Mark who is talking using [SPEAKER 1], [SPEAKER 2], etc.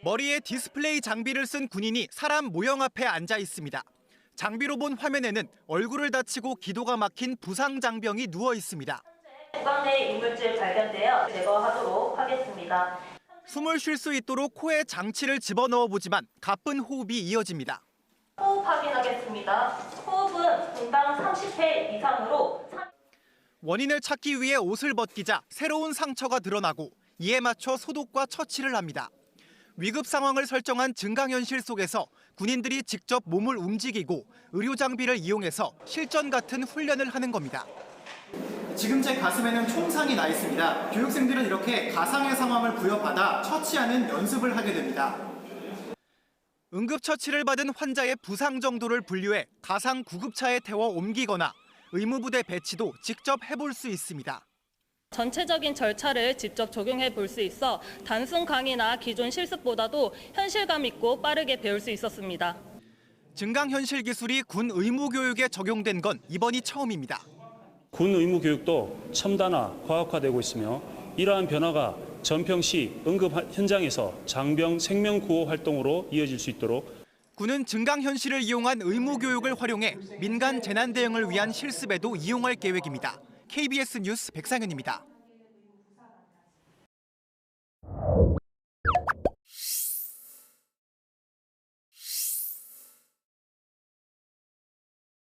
[SPEAKER 1] 머리에 디스플레이 장비를 쓴 군인이 사람 모형 앞에 앉아 있습니다. 장비로 본 화면에는 얼굴을 다치고 기도가 막힌 부상 장병이 누워 있습니다.
[SPEAKER 2] 구강 내 이물질 발견되어 제거하도록 하겠습니다.
[SPEAKER 1] 숨을 쉴 수 있도록 코에 장치를 집어넣어 보지만 가쁜 호흡이 이어집니다.
[SPEAKER 2] 호흡 확인하겠습니다. 호흡은 분당 30회 이상으로.
[SPEAKER 1] 원인을 찾기 위해 옷을 벗기자 새로운 상처가 드러나고 이에 맞춰 소독과 처치를 합니다. 위급 상황을 설정한 증강현실 속에서 군인들이 직접 몸을 움직이고 의료 장비를 이용해서 실전 같은 훈련을 하는 겁니다. 지금 제 가슴에는 총상이 나 있습니다. 교육생들은 이렇게 가상의 상황을 부여받아 처치하는 연습을 하게 됩니다. 응급처치를 받은 환자의 부상 정도를 분류해 가상 구급차에 태워 옮기거나 의무부대 배치도 직접 해볼 수 있습니다.
[SPEAKER 3] 전체적인 절차를 직접 적용해 볼 수 있어 단순 강의나 기존 실습보다도 현실감 있고 빠르게 배울 수 있었습니다.
[SPEAKER 1] 증강현실 기술이 군 의무교육에 적용된 건 이번이 처음입니다.
[SPEAKER 4] 군 의무 교육도 첨단화, 과학화되고 있으며 이러한 변화가 전평시 응급 현장에서 장병 생명 구호 활동으로 이어질 수 있도록
[SPEAKER 1] 군은 증강현실을 이용한 의무교육을 활용해 민간 재난 대응을 위한 실습에도 이용할 계획입니다. KBS 뉴스 백상현입니다.